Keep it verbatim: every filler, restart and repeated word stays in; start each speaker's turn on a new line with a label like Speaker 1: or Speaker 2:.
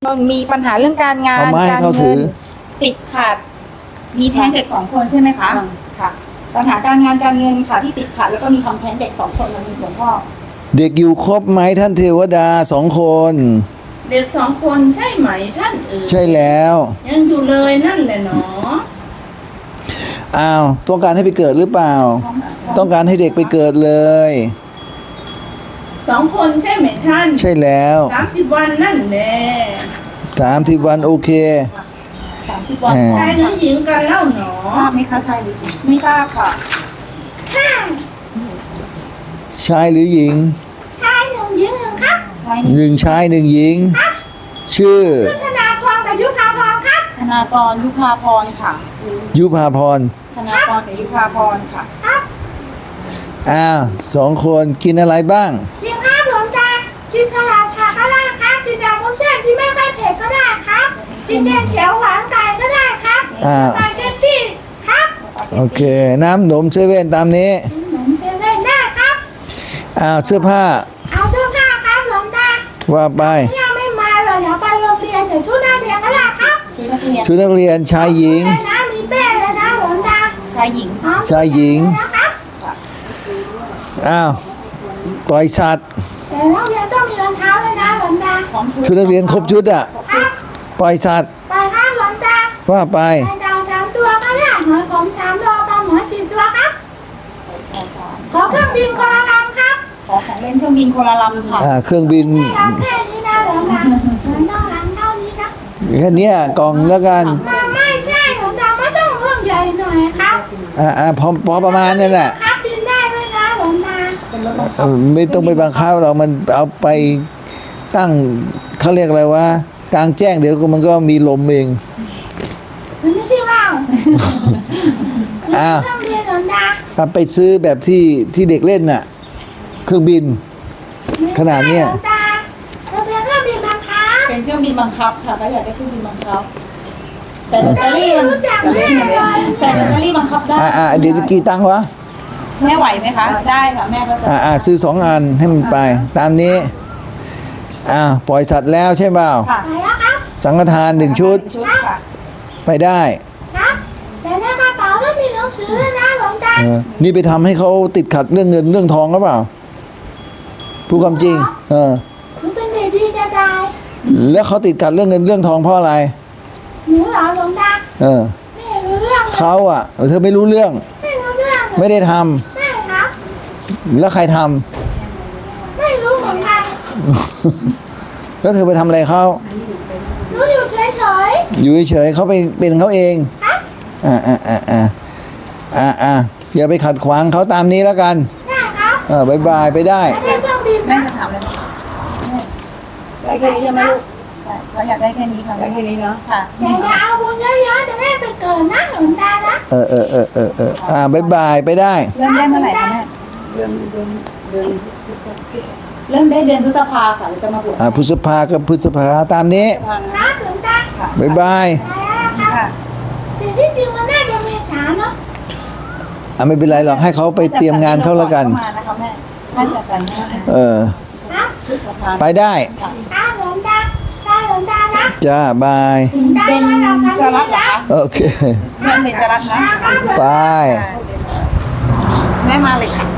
Speaker 1: มันมีปัญหาเรื่องการงาน
Speaker 2: เอาไม้ให้
Speaker 1: การ
Speaker 2: เขาถื
Speaker 1: เงิน
Speaker 2: อ
Speaker 1: ติดขัด มีแท้งเด็กสองคนใช่ไหมคะค่ะ ปัญหาการงานการเงินค่ะที่ติดขัดแล้วก็มีความแท้งเด็กสองคนมันมีหลวงพ่อ
Speaker 2: เด็กอยู่ครบไหมท่านเทวดาสองคน
Speaker 3: เด็กสองคนใช่ไหมท่านเอ๋ย
Speaker 2: ใช่แล้ว
Speaker 3: ยังอยู่เลยนั่นแหละเนาะ
Speaker 2: อ้าวต้องการให้ไปเกิดหรือเปล่า ต้องการให้เด็กไปเกิดเลย
Speaker 3: สองคนใช่ไหมท่าน
Speaker 2: ใช่แล้ว
Speaker 3: สามสิบวันนั่นแหละ
Speaker 2: สามสิบวันโอเค
Speaker 1: สามสิบวัน
Speaker 2: แหม
Speaker 3: ชายหรือหญิงกันเล่าหนอ
Speaker 1: ทราบไหมคะชายหรือหญิงไม่ทราบค่ะ
Speaker 2: ชายหรือหญิง
Speaker 3: ชายหนึ่งหญิงหนึ่งครับ
Speaker 1: ชายหนึ่ง
Speaker 2: หนึ่งชายหนึ่งหญิง ชื่อ
Speaker 3: ธนากรกับยุพาพรครับ
Speaker 1: ธนากรยุพาพรค่ะ
Speaker 2: ยุพาพร
Speaker 1: ธนากรกับยุพาพรค่ะ
Speaker 2: อ้าวสองคนกินอะไรบ้าง
Speaker 3: กินข้าวหลวงตากินสลัดผักก็ได้ครับกินยำมุ้งเส้นที่ไม่ค่อยเผ็ดก็ได้ครับกินแกงเขียวหวานไก่ก็ได้ครับ
Speaker 2: อ่า
Speaker 3: สปาเกตตี้ครับ
Speaker 2: โอเค น้ำหนมเซเว่นตามนี้
Speaker 3: หนมเซเว่นได้ครับ
Speaker 2: อ้าวเสื้อผ้า
Speaker 3: เอาเสื้อผ้าครับหลวงตา
Speaker 2: ว่าไป
Speaker 3: ยังไม่มาเลยเดี๋ยวไปโรงเรียนใส่ชุดนักเรียนก็ได้ครับ
Speaker 1: ชุดนักเรียน
Speaker 2: ชุดนักเรียนชายหญิง
Speaker 3: เลยนะมีเป้เลยนะหลวงตา
Speaker 1: ชายหญิง
Speaker 3: อ๋อ
Speaker 2: ชายหญิง
Speaker 3: นะครับ
Speaker 2: อ้าวปล่อยสัตว์
Speaker 3: แต่นักเรียนต้องมีรองเท้าเลยนะหลวงตา
Speaker 1: พร้อมชุด
Speaker 2: ชุดนักเรียนครบชุดอ่ะ
Speaker 3: ครับ
Speaker 2: ปล่อยสัตว์
Speaker 3: ไปครับหลวงตา
Speaker 2: ว่าไป
Speaker 3: ไข่ดาวสามตัวก็ได้หอยผมสามตัวปลาหมอสิบตัวครับ ขอเครื่องบินคนละลำครับ
Speaker 1: ขอของเล่นเครื่องบินคนละลำค่ะ
Speaker 2: อ่าเครื่องบิน
Speaker 3: ไม่ลำแค่นี้นะหลวงตาเหมือนต้องลำเท่านี้นะ
Speaker 2: แค่เนี้ยกล่องแล้วกัน
Speaker 3: มาไม่ใช่หลวงตาไม่ต้องเรื่องใหญ่หน่อยครับ
Speaker 2: อ่าอ่าพอพอประมาณนั่นแหละ
Speaker 3: ครับบินได้เลยนะหลวงตา
Speaker 1: เป็นรถบังคั
Speaker 2: เอบ อไม่ต้องไปบังคับเรามันเอาไปตั้งเขาเรียกอะไรวะกลางแจ้งเดี๋ยวก็มันก็มีลมเอง
Speaker 3: มันไม่ใช่ว่าว
Speaker 2: อ้าว
Speaker 3: เครื่องบินหลวงตา
Speaker 2: ถ้าไปซื้อแบบที่ที่เด็กเล่นน่ะ เครื่องบิน ขนาดเนี้ย
Speaker 3: หลวงตาเราเป็นเครื่องบินบังคับ
Speaker 1: เป็นเครื่องบินบังคับค่ะถ้าอยากได้เครื่องบินบังคับใส่แบตเตอรี่
Speaker 3: ไม่รู้จักแน่เลย
Speaker 1: ใส่แบตเตอรี่บังคับได้
Speaker 2: อ่าอ่าเดี๋ยวกี่ตังค์วะ
Speaker 1: แม่ไหวไหมคะ ได้ค่ะแม่ก็จะ
Speaker 2: อ่าอ่าซื้อสองอันให้มันไป ตามนี้อ่าปล่อยสัตว์แล้วใช่เปล่า
Speaker 1: ค่ะ
Speaker 3: ไปแล้วครับ
Speaker 2: สังฆทานหนึ่งชุด
Speaker 1: ชุดค่ะ
Speaker 2: ไปได้
Speaker 3: ครับ แต่ในกระเป๋าต้องมีหนังสือด้วยนะหลวงตา
Speaker 2: เออนี่ไปทำให้เขาติดขัดเรื่องเงินเรื่องทองหรือเปล่าพูดความจริง เออ
Speaker 3: หนูเป็นเด็กดีจะตาย
Speaker 2: แล้วเขาติดขัดเรื่องเงินเรื่องทองเพราะอะไร
Speaker 3: หนูเหรอหลวงตา
Speaker 2: เออ
Speaker 3: ไม่รู้เรื่องเลย
Speaker 2: เขาอ่ะเออเธอไม่รู้เรื่อง
Speaker 3: ไม่รู้เรื่องเลย
Speaker 2: ไม่ได้ทำ
Speaker 3: ไม่ครับ
Speaker 2: แล้วใครทำ
Speaker 3: ไม่รู้เหมือนกัน
Speaker 2: แล้วเธอไปทำอะไรเขา
Speaker 3: หนูอยู่เฉย
Speaker 2: อยู่เฉยๆเขาไปเป็นเขาเอง
Speaker 3: ๆครับ
Speaker 2: อ่าอ่าอ่าอ่าอ่าอ่าอย่าไปขัดขวางเขาตามนี้แล้วกัน
Speaker 3: ได้ครับ
Speaker 2: เออบายบายไปได้
Speaker 3: ไม่ได้เครื่องบิน
Speaker 1: แม่
Speaker 3: นะ
Speaker 1: จะถามอะไร
Speaker 4: ได้แค่นี้ใช่ไหมลูก
Speaker 1: เขาอยากได้แค่นี้ค่ะ
Speaker 4: ได้แค่นี้เนาะ
Speaker 1: ค่ะ
Speaker 3: แต่จะเอาบุญเยอะๆจะได้ไปเกิดนะหลวงตานะ
Speaker 2: เออเออเออเออเอออ่าบายบายไปได้
Speaker 1: เริ่มได้เมื่อไหร่คะแม่
Speaker 4: เดือนเดือนเดือน
Speaker 1: เริ่มได้เดือนพฤษภาค่ะเราจะมาบวช
Speaker 2: อ่าพฤษภากับพฤษภาตามนี้
Speaker 4: ทาง
Speaker 3: ครับหลวงตา
Speaker 2: บายบาย
Speaker 3: ไปแล้วครับ
Speaker 1: ค่ะ
Speaker 3: แต่ที่จริงมันน่าจะเมษาเนาะ
Speaker 2: อ่าไม่เป็นไรหรอกให้เขาไปเตรียมงานเขาแล้วกัน
Speaker 1: มานะคะแม่น่าจะจัดงาน
Speaker 2: เออ
Speaker 3: ครับ
Speaker 2: ไปได้
Speaker 3: ครับหลวงตาได้หลวงตานะ
Speaker 2: จ้าบาย
Speaker 3: ได้
Speaker 1: เป็น
Speaker 3: มาทำกัน
Speaker 1: จะ
Speaker 3: ดี
Speaker 1: รักเหรอ
Speaker 3: นะ
Speaker 1: คะ
Speaker 2: โอเค
Speaker 1: แม่เป็นจะรักนะ
Speaker 3: ครับ
Speaker 2: ไป
Speaker 1: แม่มาเลยค่ะ